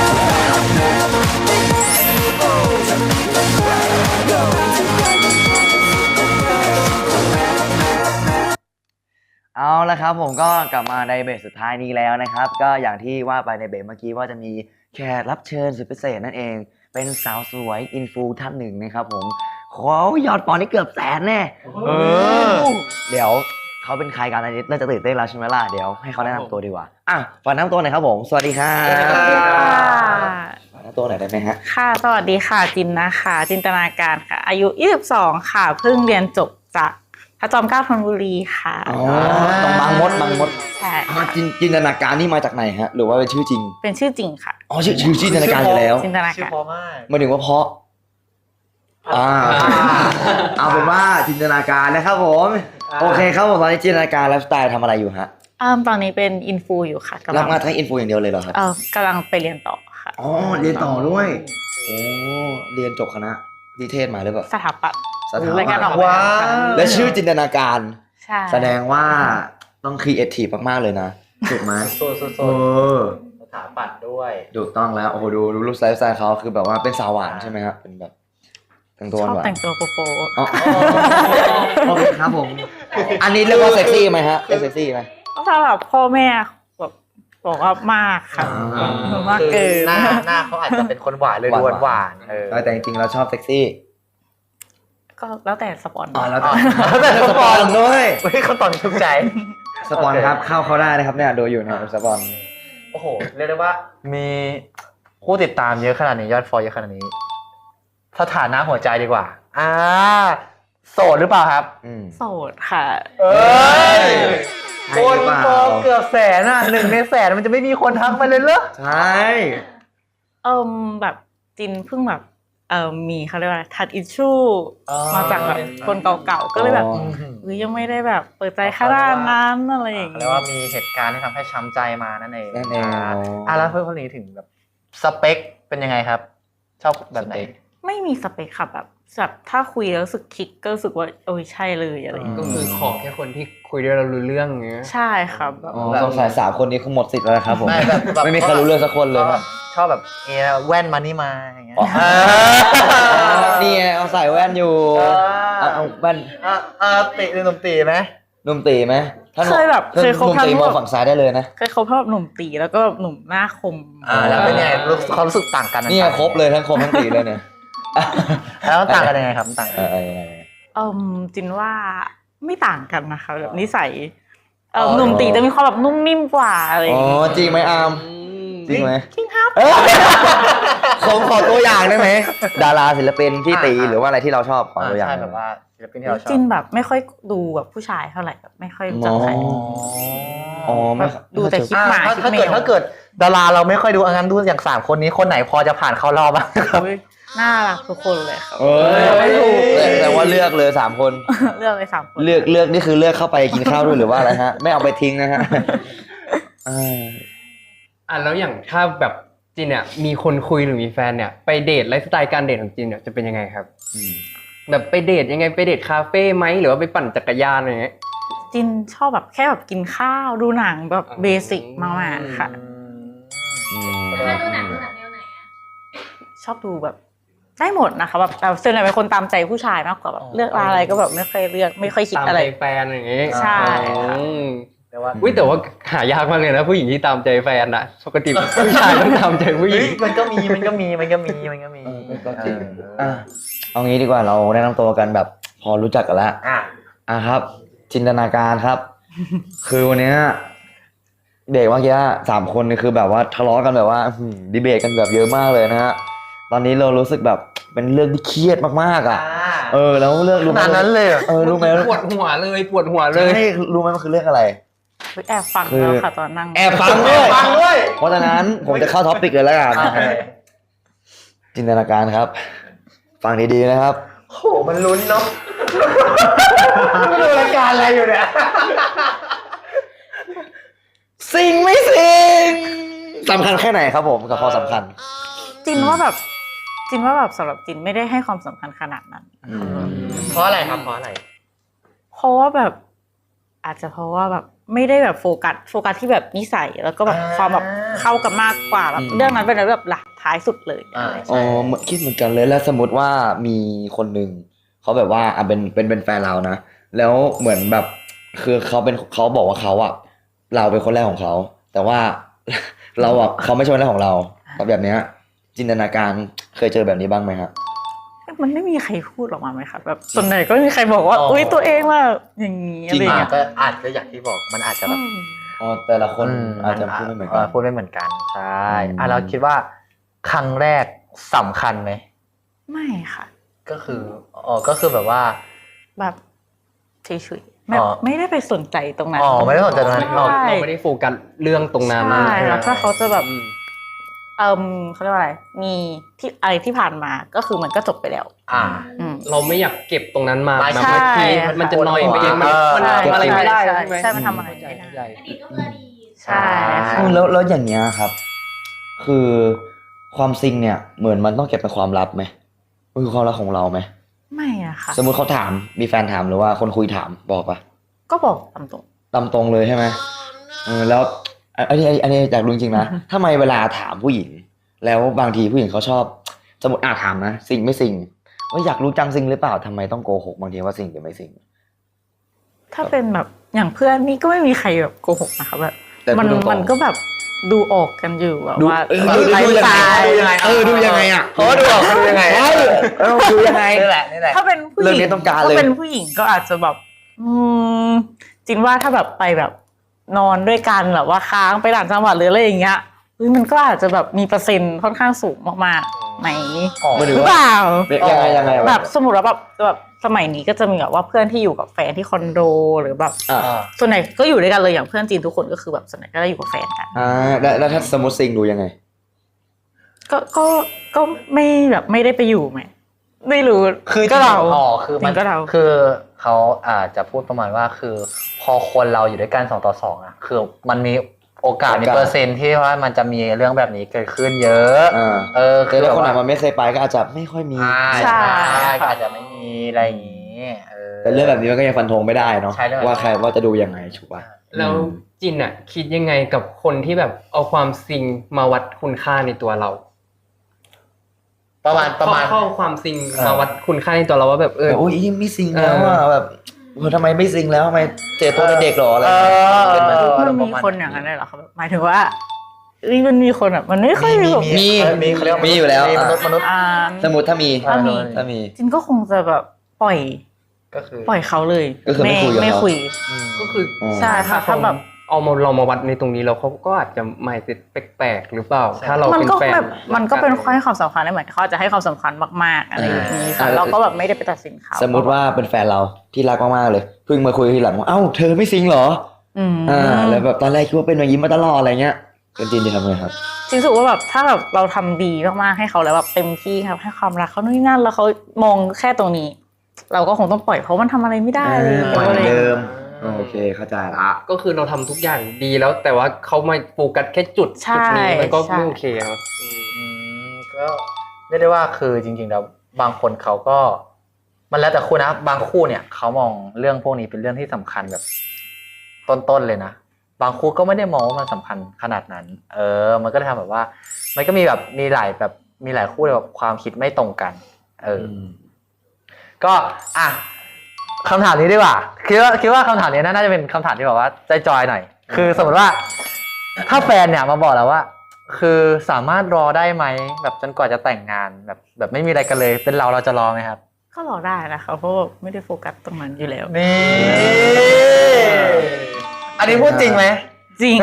[SPEAKER 1] เอาละครับผมก็กลับมาในเบรกสุดท้ายนี้แล้วนะครับ ก็อย่างที่ว่าไปในเบรกเมื่อกี้ว่าจะมีแขกรับเชิญสุดพิเศษนั่นเอง เป็นสาวสวยอินฟูท่านหนึ่งนะครับผมเขายอดฟอลนี่เกือบแสนแน่เออเดี๋ยวเขาเป็นใครกันอันนี้น่าจะตื่นเต้นแล้วใช่ไหมล่ะเดี๋ยวให้เขาแนะนำตัวดีกว่าอ่ะฝากแนะนำตัวหน่อยครับผมสวัสดีครับ
[SPEAKER 5] สวัสดีค่ะ
[SPEAKER 1] ฝากแนะนำตัวหน่อยได้ไหมฮะ
[SPEAKER 5] ค่ะ สวัสดีค่ะ จินนะคะ จินตนาการค่ะ อายุ ยี่สิบสอง ค่ะ เพิ่งเรียนจบจากพระจอมเกล้าธนบุรีค่ะ
[SPEAKER 1] อ๋อตรงบางมดบางมด
[SPEAKER 5] ใช่
[SPEAKER 1] อ่าจินจินตนาการนี่มาจากไหนฮะหรือว่าเป็นชื่อจริง
[SPEAKER 5] เป็นชื่อจริงค่ะ
[SPEAKER 1] อ๋อชื่อชื่อจินตนาการอยู่แล้ว
[SPEAKER 5] จินตนา
[SPEAKER 2] ชื่อ
[SPEAKER 5] การ
[SPEAKER 2] เพราะมาก
[SPEAKER 1] หมายถึงว่าเพราะอ่าเอาเป็นว่าจินตนาการนะครับผมโอเคครับผมตอนนี้จินตนาการไลฟ์สไตล์ทำอะไรอยู่ฮะ
[SPEAKER 5] อ่าตอนนี้เป็นอินฟูอยู่ค่ะกำ
[SPEAKER 1] รั
[SPEAKER 5] ลั
[SPEAKER 1] บ
[SPEAKER 5] ง
[SPEAKER 1] งานทั้งอินฟูอย่างเดียวเลยเหรอครับ
[SPEAKER 5] เออกำลังไปเรียนต่อค่ะ
[SPEAKER 1] อ๋อเรียนต่อด้วยโอ้เรียนจบคณะนิเทศมาหรือเปล่า
[SPEAKER 5] สถาปัตย์
[SPEAKER 1] สถา
[SPEAKER 5] ราย
[SPEAKER 1] ปั
[SPEAKER 5] การ
[SPEAKER 1] ต
[SPEAKER 5] ออก
[SPEAKER 1] ย์
[SPEAKER 5] แบบ
[SPEAKER 2] ว้าว
[SPEAKER 5] ค่ะ
[SPEAKER 1] และชื่อจินตนาการ
[SPEAKER 5] ใช่
[SPEAKER 1] แสดงว่าต้องครีเอทีฟมากๆเลยนะถูกไหม
[SPEAKER 2] โซนโซนโซ
[SPEAKER 1] เอน อ
[SPEAKER 2] สถาปัตย์ด้วย
[SPEAKER 1] ถูกต้องแล้วโอ้โหดูดูรูปไลฟ์สไตล์เขาคือแบบว่าเป็นสาวหวานใช่ไหมครับเป็นแบบแต่งตัว
[SPEAKER 5] ชอบ
[SPEAKER 1] หวาน
[SPEAKER 5] แต่งตัวโปโป
[SPEAKER 1] อ๋อโอเคครับผม อันนี้เรียกว่าเซ็กซี่ไหมฮะเรียกเซ็กซี่ไหม
[SPEAKER 5] สำหรับพ่อแม่แบบบอกว่ามากค่ะ
[SPEAKER 1] อ่า
[SPEAKER 5] มากเกิน
[SPEAKER 2] หน้าหน้าเขาอาจจะเป็นคนหวานเลย
[SPEAKER 1] หวาน
[SPEAKER 2] ดูหวานๆเออ
[SPEAKER 1] แต่จริงๆเราชอบเซ็กซี่
[SPEAKER 5] ก็แล้วแต่สปอน
[SPEAKER 1] อ๋อแล้ว
[SPEAKER 2] อ๋
[SPEAKER 1] แต่
[SPEAKER 2] อแล้วแต่
[SPEAKER 1] สปอนด้วย
[SPEAKER 2] เฮ้ยเขาตอบถูกใจ
[SPEAKER 1] สปอนครับเข้าเขาได้นะครับเนี่ยดูอยู่นะครับสปอน
[SPEAKER 2] โอ้โห เรียกได้ว่ามีผู้ติดตามเยอะขนาดนี้ยอดฟอลเยอะขนาดนี้สถานะหัวใจดีกว่า อ่า โสดหรือเปล่าครับ
[SPEAKER 1] อืม
[SPEAKER 5] โสดค่ะ
[SPEAKER 2] เอ้ย
[SPEAKER 1] ใช่
[SPEAKER 2] คน
[SPEAKER 1] หรือเปล่า
[SPEAKER 2] ฟอลเกือบแสนอ่ะหนึ่งในแสนมันจะไม่มีคนทักมาเลยเหรอ
[SPEAKER 1] ใช่
[SPEAKER 5] เอิมแบบจินเพิ่งแบบเอิมมีเขาเรียกว่าทัดอิชชู
[SPEAKER 2] อ๋อ
[SPEAKER 5] มาจากแบบคนเก่าๆก็เลยแบบเฮ้ยยังไม่ได้แบบเปิดใจขนาดนั้นอะไรอย่าง
[SPEAKER 2] เรียกว่ามีเหตุการณ์ที่ทำให้ช้ำใจมานั่นเอง
[SPEAKER 1] นั่นเอง
[SPEAKER 2] อ่าอ่ะแล้วเพื่อนคนนี้ถึงแบบสเปคเป็นยังไงครับ ชอบแบบไหน
[SPEAKER 5] ไม่มีสเปคค่ะแบบแบบถ้าคุยแล้วรู้สึกคลิกก็รู้สึกว่าโอ้ยใช่เลยอะไรอย่าง
[SPEAKER 3] ก็
[SPEAKER 5] เงี้ย
[SPEAKER 3] คือขอแค่คนที่คุยด้วยเรารู้เรื่องอย่างเงี้ย
[SPEAKER 5] ใช่ครับแบบ
[SPEAKER 1] อ๋อสงสัยสามคนนี้คงหมดสิทธิ์แล้วนะครับผม
[SPEAKER 2] ไม่แบบแบบ
[SPEAKER 1] ไม่มีใครรู้เรื่องสักคนเลยครับ
[SPEAKER 2] ชอบแบบเอแว่นมานี่มาอย่างเงี้ย
[SPEAKER 1] อ๋อ นี่ไงเอาใส่แว่นอยู่เอาเอาแว่น
[SPEAKER 2] อ่ะอ่ะติหรือหนุ่มตีไหม
[SPEAKER 1] หนุ่มตีไหมถ้าห
[SPEAKER 5] เค
[SPEAKER 1] นุ่ม
[SPEAKER 5] ยแบบเคยคบ
[SPEAKER 1] หนุ่ม
[SPEAKER 5] ทั้ง
[SPEAKER 1] ตี
[SPEAKER 5] ห
[SPEAKER 1] ม
[SPEAKER 5] ม
[SPEAKER 1] อง
[SPEAKER 5] ด
[SPEAKER 1] ฝั่งซ้ายได้เลยนะ
[SPEAKER 5] เคยคบทั้งแบบหนุ่มตีแล้วก็หนุ่มหน้าคม
[SPEAKER 2] อ่าแล้วเป็นไงรู้ความรู้สึกต่างกัน
[SPEAKER 1] นี่ไงครบเลยทั้งคมทั้งตีเลยเนี่ย
[SPEAKER 2] แล้วมันต่างกันยังไงครับมันต่างกัน
[SPEAKER 1] เออเออยังไง
[SPEAKER 5] เอิมจินว่าไม่ต่างกันนะคะแบบนิสัยเอิมหนุ่มตีจะมีความแบบนุ่มนิ่มกว่าอะไรอ
[SPEAKER 1] อ๋
[SPEAKER 5] ย่า
[SPEAKER 1] อง
[SPEAKER 5] เงี้ย
[SPEAKER 1] จริงไหมอาร์มจริงไหม
[SPEAKER 5] จริงครับ
[SPEAKER 1] เออผมขอตัวอย่างได้ไหมดาราศิลปินพี่ตีหรือว่าอะไรที่เราชอบขอตัวอย่าง
[SPEAKER 2] ใช่แบบว่าศิลปินที่เราชอบ
[SPEAKER 5] จินแบบไม่ค่อยดูแบบผู้ชายเท่าไหร่แบบไม่ค่อยรู้จักใคร
[SPEAKER 1] อ๋อ อ๋อไม่
[SPEAKER 5] แบบดูแต่คลิป
[SPEAKER 2] อ่า
[SPEAKER 5] หมา
[SPEAKER 2] ถ้า
[SPEAKER 5] คลิป
[SPEAKER 2] ถ้า
[SPEAKER 5] แม
[SPEAKER 2] เกิด
[SPEAKER 5] ว
[SPEAKER 2] ถ้าเกิดดาราเราไม่ค่อยดูอันนั้นดูอย่างสามคนนี้คนไหนพอจะผ่านเข้ารอบบ้างครับ
[SPEAKER 5] อุ๊ยน่ารักทุกคนเลยครับ
[SPEAKER 1] เอ้ย
[SPEAKER 5] ไม่ถูก
[SPEAKER 1] แต่แต่ว่าเลือกเลยสามคน
[SPEAKER 5] เลือกเลยสามคน
[SPEAKER 1] เลือกเลือกนี่คือเลือกเข้าไปกินข้าวด้วยหรือว่าอะไรฮะ ไม่เอาไปทิ้งนะฮะอ่า
[SPEAKER 3] อ่ะแล้วอย่างถ้าแบบจินเนี่ยมีคนคุยหรือมีแฟนเนี่ยไปเดทไลฟ์สไตล์การเดทของจินเนี่ยจะเป็นยังไงครับ
[SPEAKER 1] อืม
[SPEAKER 3] แบบไปเดทยังไงไปเดทคาเฟ่ไหมหรือว่าไปปั่นจักรยานอะไรเงี้ย
[SPEAKER 5] จินชอบแบบแค่แบบกินข้าวดูหนังแบบเบสิกมากๆค่ะ
[SPEAKER 1] อืม
[SPEAKER 6] ถ้าดูหนังดูหนังแนวไหนอะ
[SPEAKER 5] ชอบดูแบบได้หมดนะคะแบบแต่ส่วนใหญ่เป็นคนตามใจผู้ชายมากกว่าแบบเลือกอะไรก็แบบไม่ค่อยเลือกไม่ค่อยคิด
[SPEAKER 3] ตาม
[SPEAKER 5] อะไร
[SPEAKER 3] ใจแฟนอะไรอย่างเงี้ย
[SPEAKER 5] ใช่ค่ะ
[SPEAKER 3] อืม
[SPEAKER 2] แต่ว่า
[SPEAKER 3] อุ้ยแต่ว่าหายากมากเลยนะผู้หญิงที่ตามใจแฟนอะปกติผู้ชายต้องตามใจผู้หญิ
[SPEAKER 2] เฮ้
[SPEAKER 3] ง
[SPEAKER 2] ยมันก็มีมันก็มีมันก็มีมันก็มี
[SPEAKER 1] เออก็จริงอ่ะเอางี้ดีกว่าเราแนะนำตัวกันแบบพอรู้จักกันแล้ว
[SPEAKER 2] อ่ะ
[SPEAKER 1] อ่ะครับ จินตนาการครับ คือวันเนี้ยเด็กเมื่อกี้สามคนนี่คือแบบว่าทะเลาะกันแบบว่าอื้อหือดีเบตกันแบบเยอะมากเลยนะฮะตอนนี้เรารู้สึกแบบเป็นเรื่องที่เครียดมากๆอ่ะ เออแล้วเรื่อง
[SPEAKER 2] ข
[SPEAKER 1] รู้ไหม
[SPEAKER 2] นาดนั้นเลยเหรอ
[SPEAKER 1] เออรู้ไหม
[SPEAKER 3] ปวดหัวเลยปวดหัวเลย
[SPEAKER 1] ใช่รู้ไหมมันคือเรื่องอะไร
[SPEAKER 5] แอบฟังแล้วค่ะตอนนั่ง
[SPEAKER 1] แอบฟังด้วยเพราะฉะนั้นผมจะเข้าท็อปิกเลยแล้วกันจินตนาการครับ ฟังดีๆนะครับ
[SPEAKER 2] โหมันลุ้นเนาะไม่ดูรายการอะไรอยู่เนี่ย
[SPEAKER 1] สิ่งไม่สิ่งสำคัญแค่ไหนครับผมกับความสำคัญ
[SPEAKER 5] จินว่าแบบจินว่าแบบสำหรับจินไม่ได้ให้ความสำคัญขนาดนั้น
[SPEAKER 2] เพราะอะไรครับเพราะอะไร
[SPEAKER 5] เพราะว่าแบบอาจจะเพราะว่าแบบไม่ได้แบบโฟกัสโฟกัสที่แบบนิสัยแล้วก็แบบความแบบเข้ากันมากกว่าแบบเรื่องนั้นเป็นอะไรแบบหลักท้ายสุดเลย
[SPEAKER 2] อ่า
[SPEAKER 1] อ๋อเหมือนคิดเหมือนกันเลยแล้วสมมติว่ามีคนหนึ่งเขาแบบว่าอ่ะเป็นเป็นเป็นแฟนเรานะแล้วเหมือนแบบคือเขาเป็นเขาบอกว่าเขาอ่ะเราเป็นคนแรกของเขาแต่ว่า เราอ่ะเขาไม่ใช่คนแรกของเราแบบเนี้ยจินตนาการเคยเจอแบบนี้บ้างไหมครับ
[SPEAKER 5] มันไม่มีใครพูดออกมาไหมคะแบบส่วนใหญ่ก็ไม่มีใครบอกว่าอุ้ยตัวเองว่าอย่างนี้อะไรอย่างเงี้ย
[SPEAKER 2] ก็อาจจะอย่างที่บอกมันอาจจะแบบ
[SPEAKER 1] อ๋อแต่ละคนอาจจะพูดไม่เหมือนกัน
[SPEAKER 2] พูดไม่เหมือนกันใช่
[SPEAKER 1] อืม
[SPEAKER 2] อ่ะเราคิดว่าครั้งแรกสำคัญไหม
[SPEAKER 5] ไม่ค่ะ
[SPEAKER 2] ก็คืออ๋อก็คือแบบว่า
[SPEAKER 5] แบบเฉยๆไม่
[SPEAKER 2] อ๋อ
[SPEAKER 5] ไม่ได้ไปสนใจตรงนั้น
[SPEAKER 2] อ๋อไม่ได้สนใจตรงนั้น
[SPEAKER 5] ใช่
[SPEAKER 3] เราไม่ได้โฟกัสเรื่องตรงนั้น
[SPEAKER 5] ใช่แล้วถ้าเขาจะแบบ
[SPEAKER 3] อืม
[SPEAKER 5] เอิมเขาเรียกว่าอะไร มีที่อะไรที่ผ่านมาก็คือมันก็จบไปแล้ว
[SPEAKER 2] อ่า
[SPEAKER 5] อืม
[SPEAKER 3] เราไม่อยากเก็บตรงนั้นมา
[SPEAKER 2] ใช่
[SPEAKER 3] แบบบางทีมันจะนอยไปเองมันมัน
[SPEAKER 5] ใช่
[SPEAKER 3] ทำอะไรไม่ได้
[SPEAKER 5] ใช่
[SPEAKER 3] ใช่ไหม
[SPEAKER 5] ใช่มันทำอะไรไม่ได้
[SPEAKER 3] เข้าใจ
[SPEAKER 5] ใช่ค่ะ
[SPEAKER 1] อืมแล้วแล้วอย่างเงี้ยครับ คือความซิงเนี่ย เหมือนมันต้องเก็บเป็นความลับไหมมันคือความลับของเราไหม
[SPEAKER 5] ไม่อะค่ะ
[SPEAKER 1] สมมุติเขาถามมีแฟนถามหรือว่าคนคุยถามบอกปะ
[SPEAKER 5] ก็บอกตามตรง
[SPEAKER 1] ตามตรงเลยใช่ไหมเออแล้วอันนี้อันนี้อยากรู้จริงๆนะทำไมเวลาถามผู้หญิง แล้วบางทีผู้หญิงเขาชอบ สมมติอาถามนะซิงไม่ซิงว่าอยากรู้จังซิงหรือเปล่าทำไมต้องโกหกบางทีว่าซิงหรือไม่ซิง
[SPEAKER 5] ถ้าเป็นแบบอย่างเพื่อนนี่ก็ไม่มีใครแบบโกหกนะคะแบบ
[SPEAKER 1] แต่
[SPEAKER 5] มัน
[SPEAKER 1] พูดตรงๆ
[SPEAKER 5] มันก็แบบดูออกกันอยู่แบบ
[SPEAKER 1] ดู
[SPEAKER 5] ว่า
[SPEAKER 1] เออ
[SPEAKER 5] แบบ
[SPEAKER 1] ดูดู
[SPEAKER 5] ไลฟ์
[SPEAKER 1] ยัง
[SPEAKER 5] ส
[SPEAKER 1] ไง
[SPEAKER 5] ไตล์
[SPEAKER 1] ดูยังไงเออดูยังไงอ่ะ
[SPEAKER 2] เพราะว่าดูออกดูยังไง
[SPEAKER 1] ใช่เออดูยังไง
[SPEAKER 2] นี่แหละนี่แหละ
[SPEAKER 5] ถ้าเป็นผู้ห
[SPEAKER 1] เรื่
[SPEAKER 5] ญิ
[SPEAKER 1] อง
[SPEAKER 5] ง
[SPEAKER 1] นี้ต้องการเลย
[SPEAKER 5] ถ้าเป็นผู้หญิงก็อาจจะแบบ อืมจินว่าถ้าแบบไปแบบนอนด้วยกันแบบว่าค้างไปต่างจังหวัดหรืออะไรอย่างเงี้ยเฮ้ยมันก็อาจจะแบบมีเปอร์เซ็นต์ค่อนข้างสูงมากๆไหม
[SPEAKER 2] อ๋อ
[SPEAKER 1] ไม่
[SPEAKER 5] ห
[SPEAKER 1] ถึ
[SPEAKER 5] รื
[SPEAKER 1] ง
[SPEAKER 5] อ
[SPEAKER 1] ว่า
[SPEAKER 5] เปล่า
[SPEAKER 1] ยังไงยังไง
[SPEAKER 5] แบบสมมติว่าแบบแบบสมัยนี้ก็จะมีแบบว่าเพื่อนที่อยู่กับแฟนที่คอนโดหรือแบบ
[SPEAKER 1] อ่า
[SPEAKER 2] อ่า
[SPEAKER 5] ส่วนใหญ่ก็อยู่ด้วยกันเลยอย่างเพื่อนจีนทุกคนก็คือแบบส่วนใหญ่ก็ได้อยู่กับแฟนกัน
[SPEAKER 1] อ่าแล้วแล้วถ้าสมมติซิงดูยังไง
[SPEAKER 5] ก็ก็ก็ไม่แบบไม่ได้ไปอยู่ไหมไม่รู้
[SPEAKER 2] คือ
[SPEAKER 5] ก็เรา
[SPEAKER 2] อ๋อคือมัน
[SPEAKER 5] ก็เรา
[SPEAKER 2] คือเขาอาจจะพูดประมาณว่าคือ พอคนเราอยู่ด้วยกันสองต่อสองอ่ะคือมันมีโอกาสมี
[SPEAKER 1] โอกาส
[SPEAKER 2] เปอร์เซ็นต์ที่ว่ามันจะมีเรื่องแบบนี้เกิดขึ้นเยอะ
[SPEAKER 1] อ่า
[SPEAKER 2] เออ
[SPEAKER 1] แต่ถ้าคนไหน
[SPEAKER 2] แบบ
[SPEAKER 1] มันไม่เคยไปก็อาจจะไม่ค่อยมี
[SPEAKER 2] อ่า
[SPEAKER 5] ใช่
[SPEAKER 2] ใช่ก็อาจจะไม่มีอะไรอย่างนี้เออ
[SPEAKER 1] แต่เรื่องแบบนี้มันก็ยังฟันธงไม่ได้เนาะ
[SPEAKER 2] ใช่เรื่องแบบนี้
[SPEAKER 1] ว่าใครว่าจะดูยังไงถูกป่ะ
[SPEAKER 3] แล้วจินอ่ะคิดยังไงกับคนที่แบบเอาความซิงมาวัดคุณค่าในตัวเรา
[SPEAKER 2] ประมาณประมาณ
[SPEAKER 3] เข้าความซิง
[SPEAKER 2] เออ
[SPEAKER 3] มาวัดคุณค่าในตัวเราว่าแบบเออ
[SPEAKER 1] แต่โอ้ยไม่ซิงแล้วอ่ะแบบเออทำไมไม่ซิงแล้วทำไมเจอตัวเป็นเด็กหรออะไรอย่างเงี้ยเป็นไหม
[SPEAKER 5] มันมีคนอย่างนั้นเลยเหรอคะแบบหมายถึงว่าเอ้ยมันมีคนแบบมันไม่ค่อยมีแบบ
[SPEAKER 1] มี
[SPEAKER 2] มีเขาเรียกว่า
[SPEAKER 1] มีอยู่แล้ว
[SPEAKER 2] มีมนุษย์มนุษย์
[SPEAKER 5] อ่า
[SPEAKER 1] สมมติถ้ามี
[SPEAKER 5] ถ้ามี
[SPEAKER 1] ถ้ามี
[SPEAKER 5] จินก็คงจะแบบปล่อย
[SPEAKER 2] ก็คือ
[SPEAKER 5] ปล่อยเขาเลย
[SPEAKER 1] ก็คือไม่คุยกับ
[SPEAKER 5] ไม่
[SPEAKER 1] เขา
[SPEAKER 5] คุย
[SPEAKER 3] ก็คือ
[SPEAKER 1] อ๋อ
[SPEAKER 5] ใช่ค่ะ
[SPEAKER 3] ถ้า
[SPEAKER 5] ถ้าแบบ
[SPEAKER 3] เอามาเรามาวัดในตรงนี้แล้วเขาก็อาจจะไม่ติดแปลกๆหรือเปล่า ถ้าเรา
[SPEAKER 5] มัน
[SPEAKER 3] เป็น
[SPEAKER 5] ก็
[SPEAKER 3] แฟน
[SPEAKER 5] แบบมันก็เป็นข้อให้ความสำคัญได้เหมือนเขาอาจจะให้ความสำคัญมากๆอะไรอย่างนี้ค่ะ
[SPEAKER 1] อ่า
[SPEAKER 5] เราก็แบบไม่ได้ไปตัดสินเขา
[SPEAKER 1] สมมุติว่าเป็นแฟนเราที่รักมากๆเลยเพิ่งมาคุยทีหลังว่าเอ้าเธอไม่ซิงเหรอ
[SPEAKER 5] อืม
[SPEAKER 1] อ่าแล้วแบบตอนแรกคิดว่าเป็นอย่างนี้มาตลอดอะไรเงี้ยเป็นจินจะทำไงครับ
[SPEAKER 5] จริงรู้สึกว่าแบบถ้าแบบเราทำดีมากๆให้เขาแล้วแบบเต็มที่ครับให้ความรักเขานู่นนี่นั่นแล้วเขามองแค่ตรงนี้ เราก็คงต้องปล่อยเพราะมันทำอะไรไม่ได้เลย
[SPEAKER 1] ปล่อยเหมือนเดิม
[SPEAKER 5] ออ
[SPEAKER 1] โอเคเข้าใจละ
[SPEAKER 3] ก็คือเราทำทุกอย่างดีแล้วแต่ว่าเขามาโฟกัสแค่จุด
[SPEAKER 5] ใช่
[SPEAKER 3] จุดนี้มันก็
[SPEAKER 5] ใช่
[SPEAKER 3] ไม่โอเคครับอืม
[SPEAKER 2] อืมก็เรียกได้ว่าคือจริงๆแล้วบางคนเขาก็ มันแล้วแต่คู่นะบางคู่เนี่ยเขามองเรื่องพวกนี้เป็นเรื่องที่สำคัญแบบ ต้นๆเลยนะบางคู่ก็ไม่ได้มองว่ามันสำคัญขนาดนั้น เออ มันก็เลยทำแบบว่า มันก็มีแบบมีหลายแบบมีหลายคู่เลยแบบความคิดไม่ตรงกัน เออ ก็อ่ะคำถามนี้ดีกว่าคิดว่าคิดว่าคำถามนี้น่าจะเป็นคำถามที่แบบว่าใจจอยหน่อย คือสมมติว่า ถ้าแฟนเนี่ยมาบอกแล้วว่า คือสามารถรอได้ไหมแบบจนกว่าจะแต่งงานแบบแบบไม่มีอะไรกันเลย เป็นเราเราจะรอไหมครับ
[SPEAKER 5] ก็รอได้นะคะเพราะว่าไม่ได้โฟกัสตรงนั้นอยู่แล้ว
[SPEAKER 2] นี่ อันนี้พูดจริงไหม
[SPEAKER 5] จริง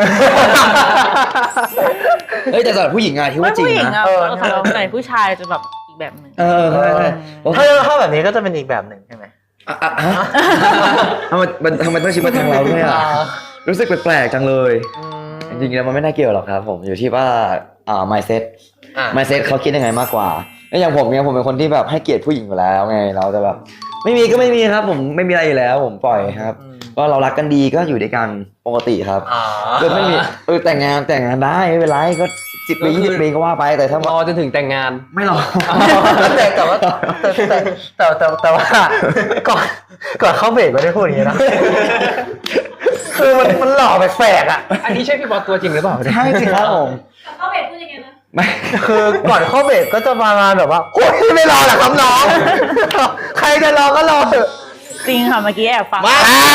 [SPEAKER 1] เฮ้ยแต่สำหรับผู้หญิงอะที่
[SPEAKER 5] ไม่
[SPEAKER 1] ว่าจริง
[SPEAKER 5] ผู้หญิง
[SPEAKER 1] นะ
[SPEAKER 5] อะ
[SPEAKER 2] เออ
[SPEAKER 5] สำหรับไหนผู้ชายจะแบบอีกแบบหนึ่ง
[SPEAKER 1] เออใช่ใช่โอ้
[SPEAKER 2] ถ้าถ้าแบบนี้ก็จะเป็นอีกแบบหนึ่งใช่ไหม
[SPEAKER 1] อะอะฮะทำไมมันทำไมต้องชิมมาทางเราด้วยอ่ะรู้สึกแปลกๆจังเลยจริงๆแล้วมันไม่น่าเกี่ยวหรอกครับผมอยู่ที่ว่าอ่า mindset
[SPEAKER 2] อ่ะ
[SPEAKER 1] mindset เขาคิดยังไงมากกว่าแล้วอย่างผมเนี่ยผมเป็นคนที่แบบให้เกียรติผู้หญิงอยู่แล้วไงเราจะแบบไม่มีก็ไม่มีครับผมไม่มีอะไรอยู่แล้วผมปล่อยครับก็เรารักกันดีก็อยู่ด้วยกันปกติครับ
[SPEAKER 2] อ๋อ
[SPEAKER 1] ก็ไม่มีเออแต่งงานแต่งงานได้ไม่เป็นไรก็สิบปียี่สิบปีก็ว่าไปแต่ถ้าร
[SPEAKER 3] อจนถึงแต่งงาน
[SPEAKER 1] ไม่หรอก
[SPEAKER 2] แต่แต่ว่าแต่แต่แต่แต่แต่ว่าก่อนก่อนเข้าเบรกไม่ได้พูดอย่างนี้นะคือมันมันหล่อแปลกๆอ่ะ
[SPEAKER 3] อันนี้ใช่พี่บอสตัวจริงหรือเปล่า
[SPEAKER 1] ใช่สิครับผม
[SPEAKER 6] เขาเห็นพูดยังไงนะ
[SPEAKER 1] ไม่
[SPEAKER 2] คือก่อนเข้าเบรกก็จะประมาณแบบว่าโอ้ยไม่รอหรอกครับน้องใครจะรอก็รอเถอะ
[SPEAKER 5] จริงค่ะเมื่อกี้แอบฟัง
[SPEAKER 2] มา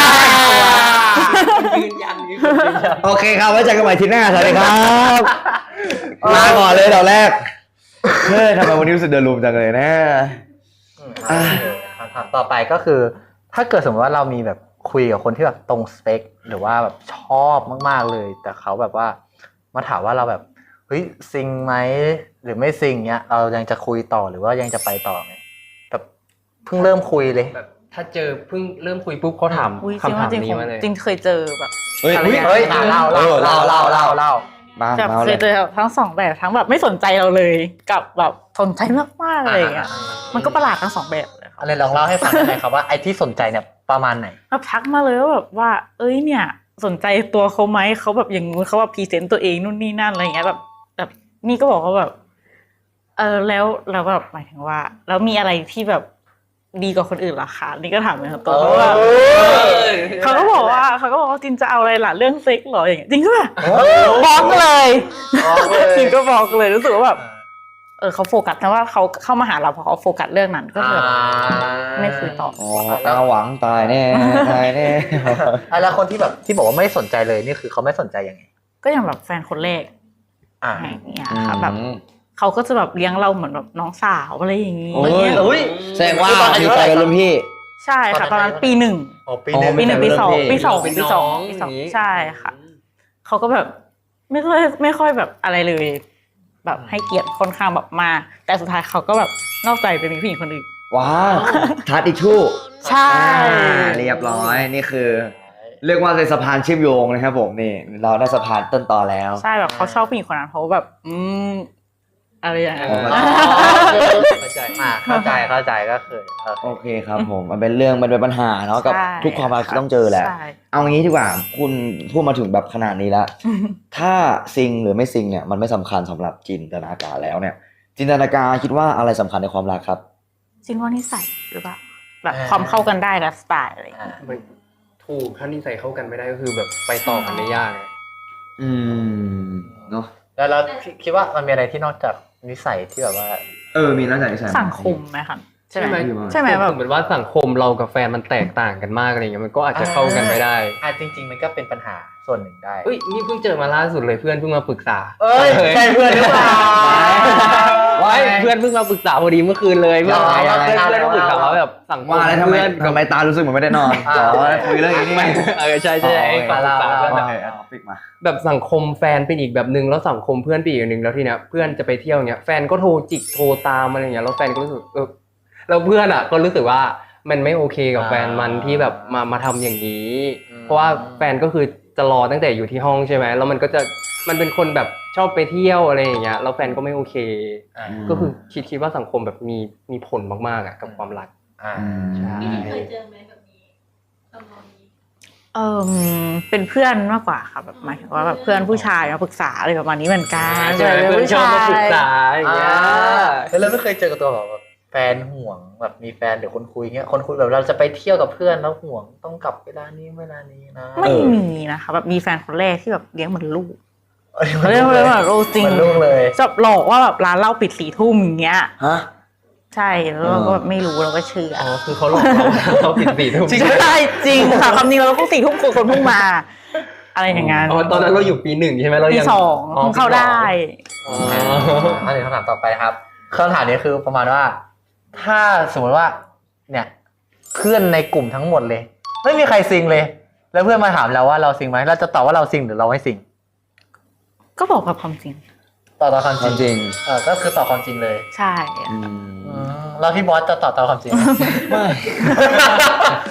[SPEAKER 3] ยืนยันยืนยัน
[SPEAKER 1] โอเคครับไว้เจอกันใหม่ทีหน้าสวัสดีครับลาก่อนเลยเดี๋ยวแรกเฮ้ยทำไมวันนี้รู้สึกเดินรูมจังเลยนะ
[SPEAKER 2] อ่ะคำถามต่อไปก็คือ ถ้าเกิดสมมติว่าเรามีแบบคุยกับคนที่แบบตรงสเปคหรือว่าแบบชอบมากๆเลย แต่เขาแบบว่ามาถามว่าเราแบบเฮ้ยซิงไหมหรือไม่ซิงเนี้ยเรายังจะคุยต่อหรือว่ายังจะไปต่อไหมแบบเพิ่งเริ่มคุยเลย
[SPEAKER 3] แบบถ้าเจอเพิ่งเริ่มคุยปุ๊บเขาถาม
[SPEAKER 5] อุ้ยจริง
[SPEAKER 3] คำ
[SPEAKER 5] ว่า
[SPEAKER 3] ถาม
[SPEAKER 5] จริง
[SPEAKER 3] นี้
[SPEAKER 5] ผม
[SPEAKER 3] มาเลย
[SPEAKER 5] จริงเคยเจอแบบ
[SPEAKER 1] เฮ้ย
[SPEAKER 5] อะไร
[SPEAKER 1] เฮ้ย
[SPEAKER 5] อย่าง
[SPEAKER 2] เฮ้ย
[SPEAKER 5] เงี้ย
[SPEAKER 2] เล่าเล่าเล่าเล่าเล่าเล่า
[SPEAKER 1] มา
[SPEAKER 5] แบบ
[SPEAKER 1] มา
[SPEAKER 5] เค
[SPEAKER 1] เลย ย
[SPEAKER 5] เจอทั้งสองแบบทั้งแบบไม่สนใจเราเลยกับแบบสนใจมากๆอะไรอย่างเงี้ยมันก็ประหลาดทั้งสองแบบเลยครับ
[SPEAKER 2] อะไรลองเล่าให้ฟังได้ไหมครับว่าไอ้ที่สนใจเนี่ยประมาณไหน
[SPEAKER 5] แบบทักมาเลยว่าแบบว่า เอ้ยเนี่ย สนใจตัวเขาไหมเขาแบบอย่างงู้นเขาแบบพรีเซนต์ตัวเองนู่นนี่นั่นอะไรอย่างเงี้ยแบบแบบนี่ก็บอกว่าแบบ เออแล้วแล้วแบบหมายถึงว่า แล้วมีอะไรที่แบบดีกว่าคนอื่นเหรอคะนี่ก็ถามเหมือนกันตัวเพราะว่าเขาก็บอกว่าเขาก็บอกว่าจินจะเอาอะไรล่ะเรื่องเซ็กเหรออย่างเงี้ยจริงก็แบบบล็อกเลยจริงก็บล็อกเลยรู้สึกว่าแบบเออเขาโฟกัสนะว่าเขาเข้ามาหาเราเพราะเขาโฟกัสเรื่องนั้นก็เลยแบบไม่คุยต่อ
[SPEAKER 1] อ๋อเอาหวังตายแน่ตายแน่
[SPEAKER 2] อ่ะแล้วคนที่แบบที่บอกว่าไม่สนใจเลยนี่คือเขาไม่สนใจยังไง
[SPEAKER 5] ก็อย่างแบบแฟนคนแรก
[SPEAKER 2] อ่า
[SPEAKER 5] อย่างเงี้ยค่ะแบบเขาก็จะแบบเลี้ยงเราเหมือนแบบน้องสาวอะไรอย่างงี้
[SPEAKER 1] โอ้ย
[SPEAKER 2] อุ้ย
[SPEAKER 1] แสดงว่ามีใจกับรุ่นพี่
[SPEAKER 5] ใช่ค่ะตอนนั้นปีหนึ่ง
[SPEAKER 2] โอ้ปีหนึ่ง
[SPEAKER 5] ปีหนึ่งปีสองปีสอง
[SPEAKER 3] เป็น
[SPEAKER 5] ปี
[SPEAKER 3] น้
[SPEAKER 5] ส
[SPEAKER 3] อ
[SPEAKER 5] อง
[SPEAKER 3] ง
[SPEAKER 5] ปีสอง
[SPEAKER 3] อย่างงี้
[SPEAKER 5] ใช่ค่ะเขาก็แบบไม่ค่อยไม่ค่อยแบบอะไรเลย แบบให้เกียรติค่อนข้างแบบมากแต่สุดท้ายเขาก็แบบนอกใจไปมีผู้หญิงคนอื่น
[SPEAKER 1] ว้าวทัดอีกทู่
[SPEAKER 5] ใช่
[SPEAKER 1] เรียบร้อยนี่คือ เรียกว่าเป็นสะพานเชื่อมโยงนะครับผมนี่เราได้สะพานต้นตอแล้ว
[SPEAKER 5] ใช่แบบเขาชอบผู้หญิงคนนั้นเพราะว่าแบบ อืมอะไรอย่างเงี้ย
[SPEAKER 1] อ๋อ
[SPEAKER 2] เข้าใจอ่าเข้าใจเข้าใจก็คือโอ
[SPEAKER 1] โอ
[SPEAKER 2] เค
[SPEAKER 1] เคครับผมมันเป็นเรื่องมันเป็นปัญหาเนาะกับ
[SPEAKER 5] ใช่
[SPEAKER 1] ทุกความรักที่ต้องเจอแหละ
[SPEAKER 5] ใช่
[SPEAKER 1] เอางี้ดีกว่าคุณพูดมาถึงแบบขนาดนี้แล้ว ถ้าซิงหรือไม่ซิงเนี่ยมันไม่สำคัญสำหรับจินตนาการแล้วเนี่ย จินตนาการคิดว่าอะไรสำคัญในความรักครับ
[SPEAKER 5] จริงว่านิสัยหรือเปล่าแบบความเข้ากันได้และสไตล์อะไรอย่างเงี้ย
[SPEAKER 3] มันถูกถ้านิสัยเข้ากันไม่ได้ก็คือแบบไปต่อกันได้ยาก
[SPEAKER 1] อืมเนาะ
[SPEAKER 2] แล้วเราคิดว่ามันมีอะไรที่นอกจากนิสัยที่แบบว่า
[SPEAKER 1] เออมีแล้วจากนิสัย
[SPEAKER 5] สังคมไหมคะใช่ไหม
[SPEAKER 3] ใช่ไหม
[SPEAKER 5] ใช่ไหมแบบ
[SPEAKER 3] เหมือนว่าสังคมเรากับแฟนมันแตกต่างกันมากอะไรเงี้ยมันก็อาจจะเข้ากันไม่ได้
[SPEAKER 2] อ่ะจริง ๆ มันก็เป็นปัญหาส่วนหนึ่งได้
[SPEAKER 3] เอ้ยนี่เพิ่งเจอมาล่าสุดเลยเพื่อนเพิ่งมาปรึกษา
[SPEAKER 2] เอ้ยใช่เพื่อนหรือเปล่า
[SPEAKER 3] ไว้เพื่อนเพิ่งมาปรึกษาพอดีเมื่อคืนเลยเพื่อน
[SPEAKER 2] อ๋อ
[SPEAKER 3] เพื่อน
[SPEAKER 2] อะไร
[SPEAKER 3] เพื่อนมาปรึกษา
[SPEAKER 2] อะไร
[SPEAKER 3] ว่าแบบสังคม
[SPEAKER 1] ว่าแล้วทำไม
[SPEAKER 3] เพื่อน
[SPEAKER 1] ทำไมตารู้สึกเหมือนไม่ได้นอนอ๋อคุยเรื่องนี้นี่
[SPEAKER 3] ไม่เออใช่ใช่ให้ความปรึกษาเพื่อน
[SPEAKER 1] โอ
[SPEAKER 3] แบบ
[SPEAKER 1] เคเอาฟิกมา
[SPEAKER 3] แบบสังคมแฟนเป็นอีกแบบนึงแล้วสังคมเพื่อนเป็นอีกแบบนึงแล้วทีเนี้ยเพื่อนจะไปเที่ยวเนี้ยแฟนก็โทรจิกโทรตามอะไรเงี้ยแล้วแฟนก็รู้สึกเออแล้วเพื่อนอ่ะก็รู้สึกว่ามันไม่โอเคกับแฟนมันที่แบบมามาทำอย่างนี้ เพราะว่าแฟนก็คือจะรอตั้งแต่อยู่ที่ห้องใช่ไหมแล้วมันก็จะมันเป็นคนแบบชอบไปเที่ยวอะไรอย่างเงี้ยแล้วแฟนก็ไม่โอเค
[SPEAKER 2] อ่า
[SPEAKER 3] ก็คือคิดคิดว่าสังคมแบบมีมีผลมากๆอ่ะกับความรัก
[SPEAKER 2] อ่า
[SPEAKER 3] ใช่
[SPEAKER 6] พี่เคยเจอไหมแบบนี้ตำนองนี้
[SPEAKER 5] เออเป็นเพื่อนมากกว่าค่ะแบบหมายถึงว่าแบบเพื่อนผู้ชายมาปรึกษาอะไรประมาณนี้เหมือนกัน
[SPEAKER 3] ใช่ไหมเพื่อนชอบมาปรึกษาอย่างเงี้ย
[SPEAKER 2] แล้วเราไม่เคยเจอกับตัวแบบแฟนห่วงแบบมีแฟนเดี๋ยวคนคุยเงี้ยคนคุยแบบเราจะไปเที่ยวกับเพื่อนแล้วห่วงต้องกลับเวลานี้เวลานี้นะ
[SPEAKER 5] ไม่มีนะคะแบบมีแฟนคนแรกที่แบบเลี้ยงเหมือนลูกเลี้ยงเหมือนลูกจริง
[SPEAKER 2] มันลูกเลย
[SPEAKER 5] จะหลอกว่าแบบร้านเหล้าปิดสี่ทุ่มอย่างเงี้ย
[SPEAKER 1] ฮะ
[SPEAKER 5] ใช่แล้วเราก็แบบไม่รู้เราก็เชื่อ
[SPEAKER 3] อ๋อคือเขาหลอกเราเขาผิดสี่ทุ่ม
[SPEAKER 5] ใช่จริงค่ะคำนี้เราต้องสี่ทุ่มคนคนเพิ่งมา อะไรอย่างงั้น
[SPEAKER 3] อ๋อตอนนั้นเราอยู่ปีหนึ่งใช่ไหมเรา
[SPEAKER 5] ปี
[SPEAKER 3] ยัง
[SPEAKER 5] สองเพิ่งเข้าได้
[SPEAKER 3] อ๋อ
[SPEAKER 2] อันนี้คำถามต่อไปครับคำถามนี้คือประมาณว่า ถ้าสมมติว่า เนี่ย เพื่อนในกลุ่มทั้งหมดเลย ไม่มีใครซิงเลย แล้วเพื่อนมาถามเราว่าเราซิงไหมเราจะตอบว่าเราซิงหรือเราไม่ซิง
[SPEAKER 5] ก็บอกกับความจริง
[SPEAKER 2] ตอบตามความ
[SPEAKER 1] ความ
[SPEAKER 2] จ
[SPEAKER 1] จ
[SPEAKER 2] ริ
[SPEAKER 1] ริ
[SPEAKER 2] ง
[SPEAKER 1] ง
[SPEAKER 2] เออก็คือตอบความจริงเลย
[SPEAKER 5] ใช่
[SPEAKER 1] อืม
[SPEAKER 2] อืมแล้วพี่บอสจะตอบตามความจริงไหม
[SPEAKER 1] ไม่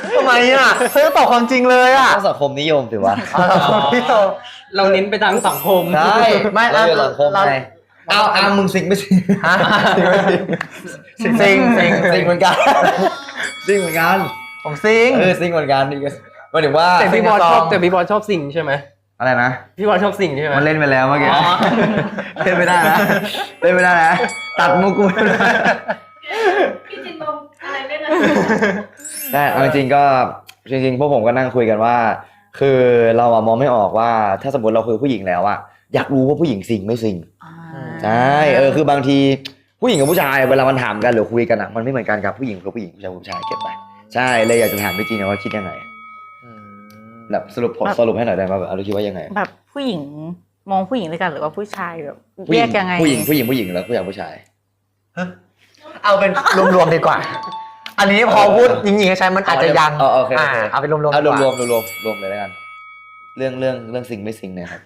[SPEAKER 2] ทำไมอ่ะเธอตอบความจริงเลยอ่ะ
[SPEAKER 1] ต้องสังคมนิยมสิวะ
[SPEAKER 3] เราเน้นไปทางสังคม
[SPEAKER 1] ใช่
[SPEAKER 2] ไม่
[SPEAKER 1] เราอยู่สังคม
[SPEAKER 2] เรา
[SPEAKER 1] ไงเอาอามึงสิงไม่สิง
[SPEAKER 2] ฮะซิงซิงซิง
[SPEAKER 1] สิงเหมือนกันสิงเหมือนกัน
[SPEAKER 2] ผมซิง
[SPEAKER 1] เออสิงเหมือนกันนี่ก็หมายถึงว่า
[SPEAKER 3] แต่พี่บอลชอบ
[SPEAKER 2] ซิงกับซอง
[SPEAKER 3] แต่พี่บอลชอบสิ่งใช่ไหม
[SPEAKER 1] อะไรนะ
[SPEAKER 3] พี่บอลชอบสิ่งใช่ไหม
[SPEAKER 1] มันเล่นไปแล้วเมื่อกี้
[SPEAKER 3] อ๋อ
[SPEAKER 1] เล่นไม่ได้นะเล่นไม่ได้นะตัดมุกกูไม่ได้
[SPEAKER 6] พี่จินมองอะไรเล่นอะ
[SPEAKER 1] ได้เอาจริงๆก็จริงๆพวกผมก็นั่งคุยกันว่า คือเราอะมองไม่ออกว่าถ้าสมมติเราคุยกับผู้หญิงแล้วอะอยากรู้ว่าผู้หญิงสิงไม่สิง
[SPEAKER 5] อ่า
[SPEAKER 1] ใช่เออคือบางทีผู้หญิงกับผู้ชายเวลามันถามกันหรือคุยกันอะมันไม่เหมือนกันกับผู้หญิงกับผู้หญิงผู้ชายกับผู้ชายเก็บไปใช่เลยอยากจะถามพี่จีนว่าคิดยังไงแบบสรุปผลสรุปให้หน่อยได้ไหมแบบเราคิดว่ายังไง
[SPEAKER 5] แบบผู้หญิงมองผู้หญิงด้วยกันหรือว่าผู้ชายแบบ
[SPEAKER 1] ผู้ห
[SPEAKER 5] แย
[SPEAKER 1] ญิ
[SPEAKER 5] กยังไง
[SPEAKER 1] ผู้หญิงผู้หญิงผู้หญิงแล้วผู้ชายผู้ชาย
[SPEAKER 2] เอาเป็นรวมๆดีกว่า อันนี้พอพูดยิงๆใช้มันอาจจะยัง
[SPEAKER 1] เออโอเคโอเค
[SPEAKER 2] เอาเป็นรวมๆ
[SPEAKER 1] เอา
[SPEAKER 2] ดีก
[SPEAKER 1] ร
[SPEAKER 2] ว่าว
[SPEAKER 1] มๆรวมๆรวมเลยแล้วกัน เรื่องเรื่องเรื่องสิงไม่สิงเนี่ยครับ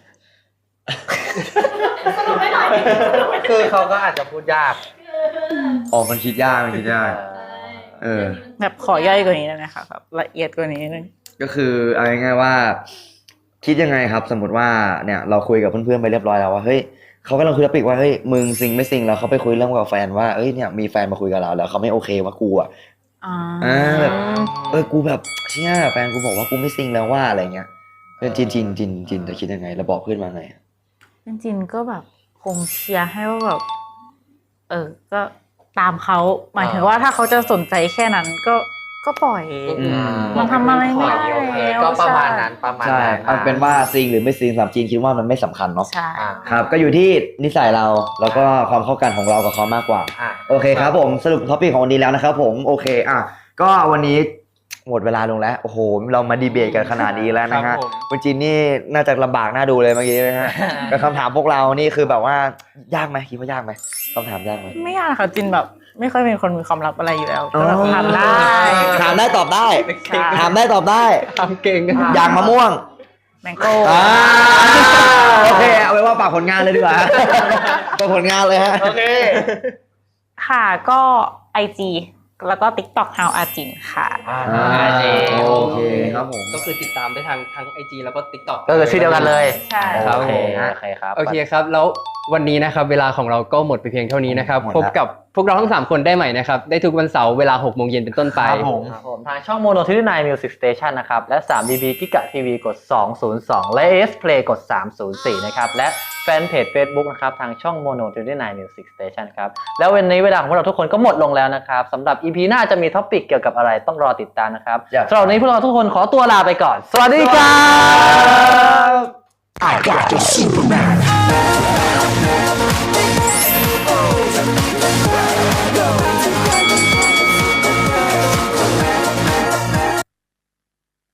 [SPEAKER 6] สรุปไม่หน่อยสรุปไม่หน่อย
[SPEAKER 2] คือเขาก็อาจจะพูดยาก
[SPEAKER 1] อ๋อมันคิดยากมันคิดยาก เออ
[SPEAKER 5] แบบขอย่อยกว่านี้ได้ไหมคะแบบละเอียดกว่านี้นิดนึง
[SPEAKER 1] ก็คือเอาง่ายๆว่า คิดยังไงครับ สมมติว่าเนี่ยเราคุยกับเพื่อนๆไปเรียบร้อยแล้วว่าเฮ้ยเขากำลังคุยกับปิกว่าเฮ้ยมึงซิงไม่ซิงแล้วเขาไปคุยเรื่องกับแฟนว่าเอ้ยเนี่ยมีแฟนมาคุยกับเราแล้วเขาไม่โอเคว่ากูอ่ะ
[SPEAKER 5] อ่า
[SPEAKER 1] อ่าแบบ เออกูแบบเชี่ยแฟนกูบอกว่ากูไม่ซิงแล้วว่าอะไรเงี้ยเป็นจินจินจินจินจะคิดยังไงแล้วบอกเพื่อนมาไง
[SPEAKER 5] จริงๆก็แบบคงเชียร์ให้ว่าแบบเออ ก็ตามเขาหมายถึงว่าถ้าเขาจะสนใจแค่นั้นก็ก็ปล่อย
[SPEAKER 1] อืม
[SPEAKER 5] มันทำอะไรไม่ได้แล้ว
[SPEAKER 2] ก็ประมาณนั้นประมาณ
[SPEAKER 1] ใช่
[SPEAKER 2] นั้น
[SPEAKER 1] เอาเป็นว่าซิงหรือไม่ซิงสำหรับจีนคิดว่ามันไม่สำคัญเนาะ
[SPEAKER 5] ใช่
[SPEAKER 2] อ่า
[SPEAKER 1] ครับ ก็อยู่ที่นิสัยเราแล้วก็ความเข้ากันของเรากับเขามากกว่า
[SPEAKER 2] อ่ะ
[SPEAKER 1] โอเคครับผมสรุปท็อปิกของวันนี้แล้วนะครับผมโอเคอ่ะก็วันนี้หมดเวลาลงแล้วโอ้โหเรามาดีเบตกันขนาดนี้แล้วนะ
[SPEAKER 3] ครั
[SPEAKER 1] ฮะ
[SPEAKER 3] บผม
[SPEAKER 1] คุณจีนนี่น่าจะลำบากน่าดูเลยเมื่อกี้นะฮะ กับคำถามพวกเรานี่คือแบบว่ายากไหมคิดว่ายากไหมคำถามยากไหม
[SPEAKER 5] ไม่ยากค่ะจินแบบไม่ค่อยเป็นคนมีความลับอะไรอยู่แล้วก็แบบทำได้
[SPEAKER 1] ถามได้ตอบได้
[SPEAKER 5] ใช่
[SPEAKER 1] ถามได้ตอบได้
[SPEAKER 3] ทำเก่งกัน
[SPEAKER 1] อย่างมะม่วง
[SPEAKER 5] แมงโก้
[SPEAKER 1] อ่าโอเคเอาไว้ว่าฝากผลงานเลยดีกว่า ฝากผลงานเลยฮะโอเค
[SPEAKER 5] ค่ะก็ไอจีแล้วก็ TikTok How อาจินค่ะ
[SPEAKER 2] อ่า
[SPEAKER 1] โอเคครับผม
[SPEAKER 3] ก็คือติดตามได้ทางทั้ง ไอ จี แล้วก็ TikTok
[SPEAKER 2] ก็คือชื่อเดียวกันเลย
[SPEAKER 5] ใช่
[SPEAKER 3] ครับ
[SPEAKER 2] โอเค
[SPEAKER 3] ผม
[SPEAKER 2] โอเคครับ
[SPEAKER 3] โอเคครับ แล้ววันนี้นะครับเวลาของเราก็หมดไปเพียงเท่านี้นะครับ
[SPEAKER 1] หมดละ
[SPEAKER 3] พบกับพวกเราทั้งสามคนได้ใหม่นะครับ ได้ทุกวันเสาร์เวลาหกโมงเย็นเป็นต้นไป
[SPEAKER 1] ครับผม
[SPEAKER 2] ครับผมทางช่อง Mono ที่ไนน์ Music Station นะครับ และ ทรี ดี บี Giga ที วี กด สองศูนย์สอง และ เอ เอส Play กด สามศูนย์สี่ นะครับ และแฟนเพจ Facebook นะครับ ทางช่อง Mono ที่ไนน์ Music Station ครับ แล้ววันนี้เวลาของพวกเราทุกคนก็หมดลงแล้วนะครับสำหรับ อี พี หน้าจะมีท็อปิกเกี่ยวกับอะไรต้องรอติดตามนะครับ
[SPEAKER 1] อยาก
[SPEAKER 2] สำหรับวันนี้พวกเราทุกคนขอตัวลาไปก่อน สวัสดีครับ
[SPEAKER 4] I got the Superman.